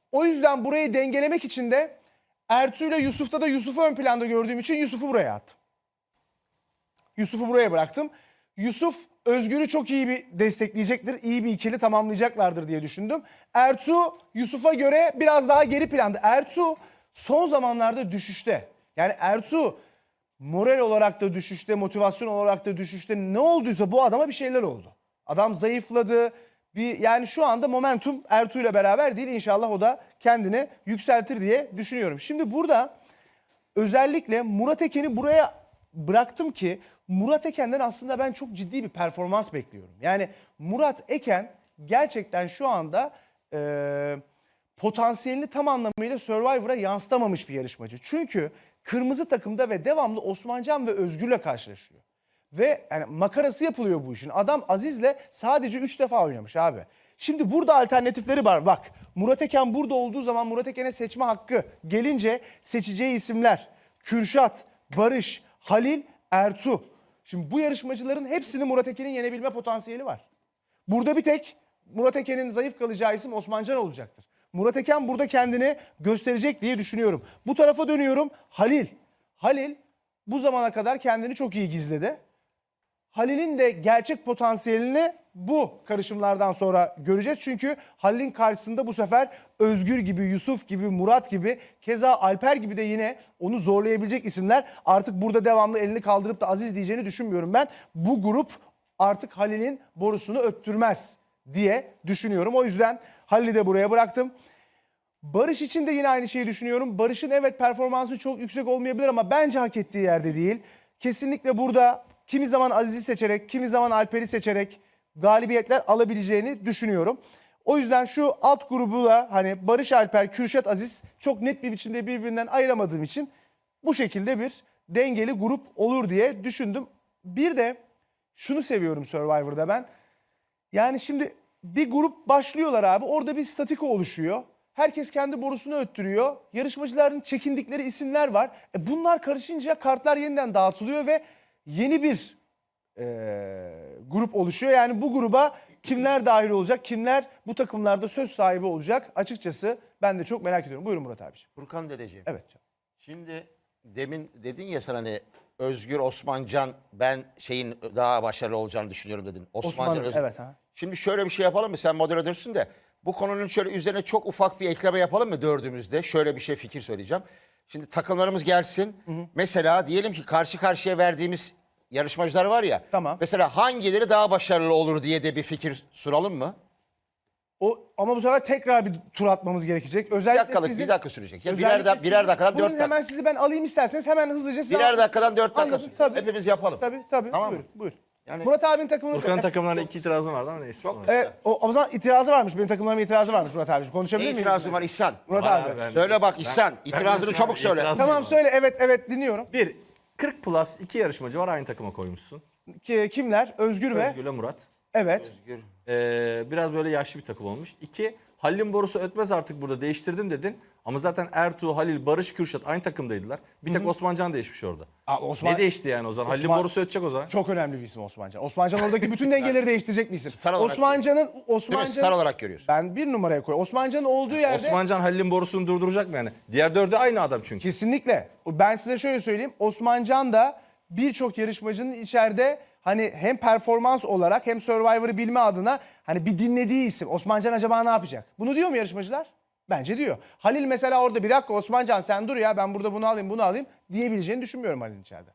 O yüzden burayı dengelemek için de Ertuğ ile Yusuf'ta da Yusuf'u ön planda gördüğüm için Yusuf'u buraya attım. Yusuf'u buraya bıraktım. Yusuf Özgür'ü çok iyi bir destekleyecektir. İyi bir ikili tamamlayacaklardır diye düşündüm. Ertuğ Yusuf'a göre biraz daha geri planda. Ertuğ son zamanlarda düşüşte. Yani Ertuğ moral olarak da düşüşte, motivasyon olarak da düşüşte. Ne olduysa bu adama bir şeyler oldu. Adam zayıfladı. Yani şu anda momentum Ertuğ ile beraber değil. İnşallah o da kendini yükseltir diye düşünüyorum. Şimdi burada özellikle Murat Eken'i buraya bıraktım ki Murat Eken'den aslında ben çok ciddi bir performans bekliyorum. Yani Murat Eken gerçekten şu anda potansiyelini tam anlamıyla Survivor'a yansıtamamış bir yarışmacı. Çünkü kırmızı takımda ve devamlı Osmancan ve Özgür'le karşılaşıyor. Ve yani makarası yapılıyor bu işin. Adam Aziz'le sadece 3 defa oynamış abi. Şimdi burada alternatifleri var. Bak Murat Eken burada olduğu zaman Murat Eken'e seçme hakkı gelince seçeceği isimler Kürşat, Barış, Halil, Ertuğ. Şimdi bu yarışmacıların hepsinin Murat Eken'in yenebilme potansiyeli var. Burada bir tek Murat Eken'in zayıf kalacağı isim Osmancan olacaktır. Murat Eken burada kendini gösterecek diye düşünüyorum. Bu tarafa dönüyorum. Halil. Halil bu zamana kadar kendini çok iyi gizledi. Halil'in de gerçek potansiyelini bu karışımlardan sonra göreceğiz. Çünkü Halil'in karşısında bu sefer Özgür gibi, Yusuf gibi, Murat gibi, keza Alper gibi de yine onu zorlayabilecek isimler. Artık burada devamlı elini kaldırıp da Aziz diyeceğini düşünmüyorum ben. Bu grup artık Halil'in borusunu öttürmez diye düşünüyorum. O yüzden Halil'i de buraya bıraktım. Barış için de yine aynı şeyi düşünüyorum. Barış'ın evet performansı çok yüksek olmayabilir ama bence hak ettiği yerde değil. Kesinlikle burada kimi zaman Aziz'i seçerek, kimi zaman Alper'i seçerek galibiyetler alabileceğini düşünüyorum. O yüzden şu alt grubu da hani Barış, Alper, Kürşat, Aziz çok net bir biçimde birbirinden ayıramadığım için bu şekilde bir dengeli grup olur diye düşündüm. Bir de şunu seviyorum Survivor'da ben. Yani şimdi bir grup başlıyorlar abi. Orada bir statiko oluşuyor. Herkes kendi borusunu öttürüyor. Yarışmacıların çekindikleri isimler var. Bunlar karışınca kartlar yeniden dağıtılıyor ve yeni bir grup oluşuyor. Yani bu gruba kimler dahil olacak, kimler bu takımlarda söz sahibi olacak açıkçası ben de çok merak ediyorum. Buyurun Murat abiciğim. Furkan dedeciğim. Evet. Şimdi demin dedin ya sen hani Özgür, Osmancan ben şeyin daha başarılı olacağını düşünüyorum dedin. Osmancan, Özgür. Evet. Ha. Şimdi şöyle bir şey yapalım mı? Sen moderatörsün de bu konunun şöyle üzerine çok ufak bir ekleme yapalım mı dördümüzde? Şöyle bir şey fikir söyleyeceğim. Şimdi takımlarımız gelsin. Mesela diyelim ki karşı karşıya verdiğimiz yarışmacılar var ya. Tamam. Mesela hangileri daha başarılı olur diye de bir fikir sunalım mı? Ama bu sefer tekrar bir tur atmamız gerekecek. Özellikle Bir dakika sürecek. Ya özellikle birer dakikadan 4 buyurun dakika. hemen sizi ben alayım isterseniz hemen hızlıca size. Birer dakikadan 4 dakika. Anladım, tabii. Hepimiz yapalım. Tabii. Tamam Buyurun, mı? buyur. Yani- Murat abinin takımını... Furkan'ın takımlarına 2 itirazım vardı ama neyse. o zaman itirazı varmış. Benim takımlarıma itirazı varmış Murat abiciğim. Konuşabilir Ne miyim? itirazın var İhsan? Murat Var abi. abi, ben- Söyle bak İhsan. İtirazını çabuk söyle. itiraz- Tamam söyle. Evet dinliyorum. 40 plus 2 yarışmacı var aynı takıma koymuşsun. Kimler? Özgür ve... Özgür'le Murat. Evet. Biraz böyle yaşlı bir takım olmuş. 2, Halil'in borusu ötmez artık burada değiştirdim dedin. Ama zaten Ertuğ, Halil, Barış, Kürşat aynı takımdaydılar. Bir tek Osmancan değişmiş orada. Osman... Ne değişti yani o zaman? Halil'in borusu ötecek o zaman. Çok önemli bir isim Osmancan. Osmancan oradaki bütün dengeleri değiştirecek bir isim. Star olarak Değil mi? Star olarak görüyorsun. Ben bir numaraya koyuyorum. Osmancan'ın olduğu yerde... Osmancan Halil'in borusunu durduracak mı yani? Diğer 4'ü aynı adam çünkü. Kesinlikle. Ben size şöyle söyleyeyim. Osmancan da birçok yarışmacının içeride hani hem performans olarak hem Survivor'ı bilme adına hani bir dinlediği isim. Osmancan acaba ne yapacak? Bunu diyor mu yarışmacılar? Bence diyor. Halil mesela orada bir dakika Osmancan sen dur ya ben burada bunu alayım diyebileceğini düşünmüyorum Halil'in içeride.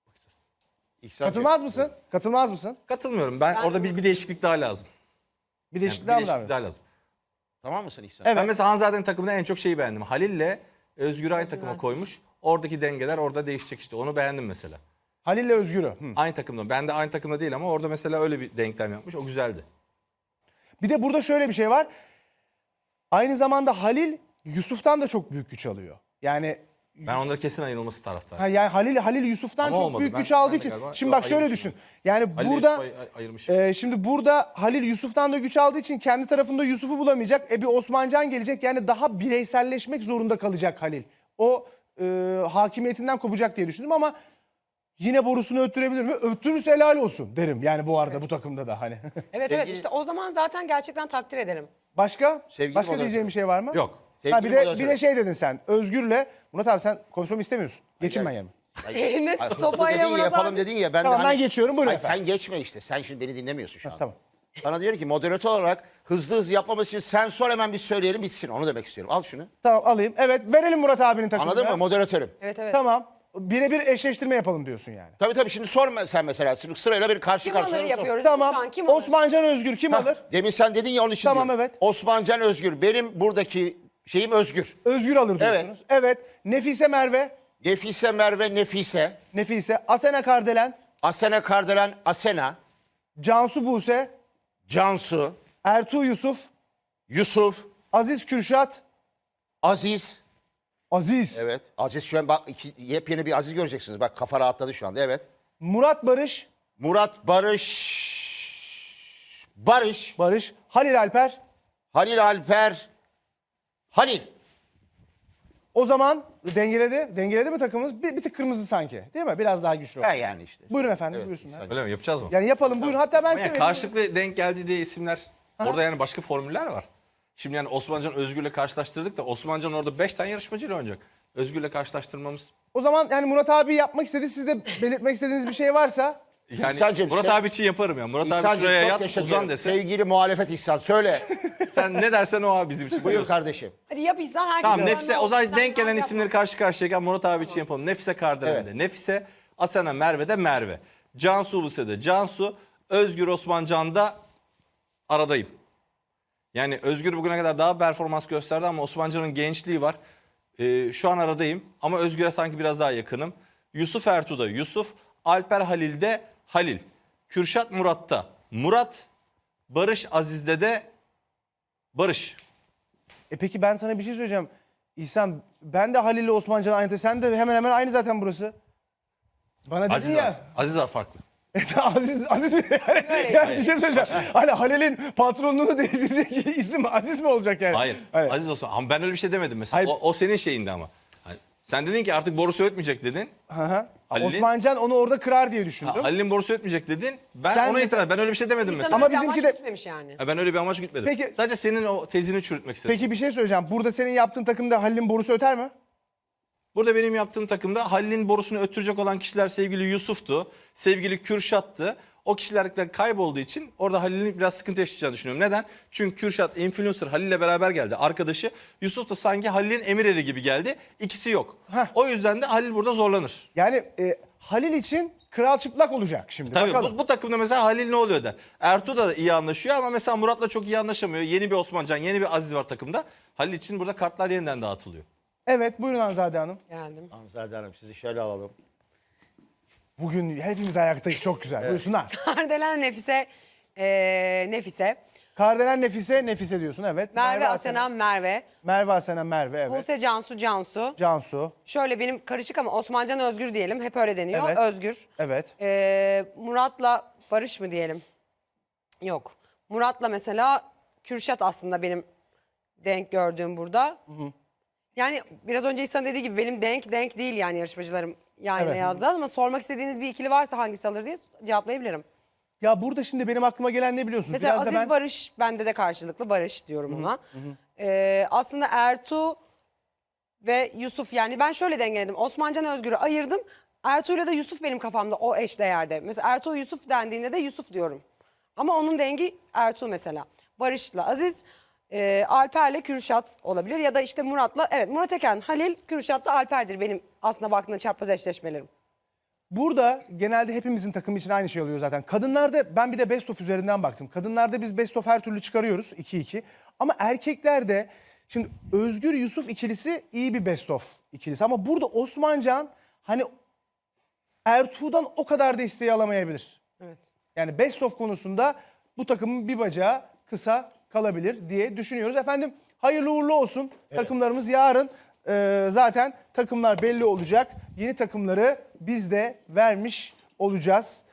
Katılmaz mısın? Katılmaz mısın? Katılmıyorum. Ben orada bir değişiklik daha lazım. Bir Yani değişiklik bir daha mı değişiklik lazım? daha lazım. Tamam mısın İhsan? Evet. Ben mesela Hanzade'nin takımında en çok şeyi beğendim. Halil'le Özgür'ü aynı takıma koymuş. Oradaki dengeler orada değişecek işte. Onu beğendim mesela. Halil'le Özgür'ü. Aynı takımda. Ben de aynı takımda değil ama orada mesela öyle bir denklem yapmış. O güzeldi. Bir de burada şöyle bir şey var. Aynı zamanda Halil Yusuf'tan da çok büyük güç alıyor. Yani Ben onları kesin ayırılması taraftarıyım. yani Halil Yusuf'tan Ama çok olmadı. büyük Ben- güç aldığı ben de için. galiba- Şimdi Yok, bak şöyle ayırmışım. düşün. Yani Halil'le burada Yusuf'u ayırmış. şimdi burada Halil Yusuf'tan da güç aldığı için kendi tarafında Yusuf'u bulamayacak. Bir Osmancan gelecek. Yani daha bireyselleşmek zorunda kalacak Halil. O hakimiyetinden kopacak diye düşündüm ama yine borusunu öttürebilir mi? Öttürürse helal olsun derim. Yani bu arada bu takımda da hani. Evet işte o zaman zaten gerçekten takdir ederim. Başka? Sevgili Başka moderatör. diyeceğim bir şey var mı? Yok. Sevgili bir de moderatörüm. şey dedin sen. Özgür'le Murat abi sen konuşmamı istemiyorsun. Geçin ben yerime. Elinde Ay, hızlı sopayla dedin ya, Murat yapalım abi. dedin ya. Ben Tamam, de ben geçiyorum, buyurun Ay, efendim. sen geçme işte. Sen şimdi beni dinlemiyorsun şu an. Tamam. Sana diyor ki moderatör olarak hızlı yapmamız için sen sor, hemen bir söyleyelim bitsin. Onu demek istiyorum. Al şunu. Tamam alayım. Evet, verelim Murat abinin takımını. Anladın mı? Moderatörüm. Evet evet. Tamam. Birebir eşleştirme yapalım diyorsun yani. Tabii şimdi sor sen mesela. Şimdi sırayla bir karşı Kim karşıya alır sor. yapıyoruz? Şu Tamam. an kim alır? Osmancan Özgür kim alır? Demin sen dedin ya, onun için Tamam, diyorum. evet. Osmancan Özgür. Benim buradaki şeyim Özgür. Özgür alır diyorsunuz. Evet. Nefise Merve. Nefise Merve Nefise. Nefise. Asena Kardelen. Asena Kardelen Asena. Cansu Buse. Cansu. Ertuğ Yusuf. Yusuf. Aziz Kürşat. Aziz. Aziz. Evet. Aziz şu an bak yepyeni bir Aziz göreceksiniz. Bak kafa rahatladı şu anda. Evet. Murat Barış. Murat Barış. Barış. Barış. Halil Alper. Halil Alper. Halil. O zaman dengeledi. Dengeledi mi takımımız? Bir tık kırmızı sanki. Değil mi? Biraz daha güçlü. Ha yani işte. Buyurun efendim. Evet, Buyursunlar. insan- Öyle mi? Yapacağız mı? Yani yapalım. Buyurun. Hatta ben Ama size yani vereyim. karşılıklı denk geldi diye isimler. Orada yani başka formüller var. Şimdi yani Osmancan Özgür'le karşılaştırdık da Osmancan orada 5 tane yarışmacıyla oynayacak. Özgür'le karşılaştırmamız. O zaman yani Murat abi yapmak istedi. Siz de belirtmek istediğiniz bir şey varsa. Yani İhsan'cığım, Murat sen- abi için yaparım ya. Murat abi İhsan'cığım, şuraya çok yat teşekkür uzan ederim. dese. Sevgili muhalefet İhsan söyle. Sen ne dersen o abi bizim için. Buyur kardeşim. Hadi yap İhsan, herkes. Tamam önünde Nefise o olsun. zaman Sen denk gelen yapma. isimleri karşı karşıyayken Murat abi için yapalım. Nefise Kardelen'de Evet. Nefise, Asena Merve'de Merve. Cansu Buse'de Cansu, Özgür Osmancan'da aradayım. Yani Özgür bugüne kadar daha performans gösterdi ama Osmancan'ın gençliği var. Şu an aradayım ama Özgür'e sanki biraz daha yakınım. Yusuf Ertuğ'da Yusuf, Alper Halil'de Halil. Kürşat Murat'ta Murat, Barış Aziz'de de Barış. Peki ben sana bir şey söyleyeceğim. İhsan ben de Halil'le Osmancan aynı. Sen de hemen hemen aynı zaten burası. Bana dedin Aziz ya. var. Aziz var farklı. Aziz mi? Yani bir şey söyleyeceğim. Hani Halil'in patronluğunu değiştirecek isim Aziz mi olacak yani? Hayır. Evet. Aziz olsun. Ama ben öyle bir şey demedim mesela. Hayır. O senin şeyindi ama. Hani sen dedin ki artık borusu ötmeyecek dedin. Hı hı. Halil'in- Osmancan onu orada kırar diye düşündüm. Halil'in borusu ötmeyecek dedin. Ben Sen ona mesela- itiraz. Ben öyle bir şey demedim İhsan mesela. Ama öyle bir bizimki amaç de- gütmemiş yani. Ben öyle bir amaç gütmedim. Peki- Sadece senin o tezini çürütmek istedim. Peki bir şey söyleyeceğim. Burada senin yaptığın takımda Halil'in borusu öter mi? Burada benim yaptığım takımda Halil'in borusunu öttürecek olan kişiler sevgili Yusuf'tu. Sevgili Kürşat'tı. O kişiler de kaybolduğu için orada Halil'in biraz sıkıntı yaşayacağını düşünüyorum. Neden? Çünkü Kürşat influencer Halil'le beraber geldi. Arkadaşı Yusuf da sanki Halil'in emir eri gibi geldi. İkisi yok. Heh. O yüzden de Halil burada zorlanır. Yani Halil için kral çıplak olacak şimdi. Tabii Bakalım. bu takımda mesela Halil ne oluyor der. Ertuğ da iyi anlaşıyor ama mesela Murat'la çok iyi anlaşamıyor. Yeni bir Osmancan, yeni bir Aziz var takımda. Halil için burada kartlar yeniden dağıtılıyor. Evet buyurun Hanzade Hanım. Geldim. Hanzade Hanım sizi şöyle alalım. Bugün hepimiz ayaktayız çok güzel. Buyursunlar. Kardelen Nefise, Nefise. Kardelen Nefise, Nefise diyorsun evet. Merve Asena Merve. Merve Asena Merve evet. Buse Cansu Cansu. Cansu Şöyle benim karışık ama Osmancan Özgür diyelim. Hep öyle deniyor. Evet. Özgür. evet. Murat'la Barış mı diyelim? Yok. Murat'la mesela Kürşat aslında benim denk gördüğüm burada. Yani biraz önce İhsan dediği gibi benim denk değil yani yarışmacılarım yan yana Evet. yazdı ama sormak istediğiniz bir ikili varsa hangisi alır diye cevaplayabilirim. Ya burada şimdi benim aklıma gelen ne biliyorsunuz? Mesela Biraz da Aziz ben Barış bende de karşılıklı Barış diyorum ona. Aslında Ertuğ ve Yusuf yani ben şöyle dengeledim. Osmancan Özgür'ü ayırdım. Ertuğ'yla da Yusuf benim kafamda o eşdeğerde. Mesela Ertuğ Yusuf dendiğinde de Yusuf diyorum. Ama onun dengi Ertuğ mesela. Barış'la Aziz, Alper'le Kürşat olabilir. Ya da işte Murat'la, evet Murat Eken, Halil, Kürşat'la Alper'dir benim aslında baktığında çapraz eşleşmelerim. burada genelde hepimizin takımı için aynı şey oluyor zaten. Kadınlarda ben bir de best of üzerinden baktım. Kadınlarda biz best of her türlü çıkarıyoruz 2-2. Ama erkeklerde şimdi Özgür Yusuf ikilisi iyi bir best of ikilisi. Ama burada Osmancan hani Ertuğ'dan o kadar da isteği alamayabilir. Evet. Yani best of konusunda bu takımın bir bacağı kısa kalabilir diye düşünüyoruz. Efendim hayırlı uğurlu olsun. Takımlarımız yarın zaten takımlar belli olacak. Yeni takımları biz de vermiş olacağız.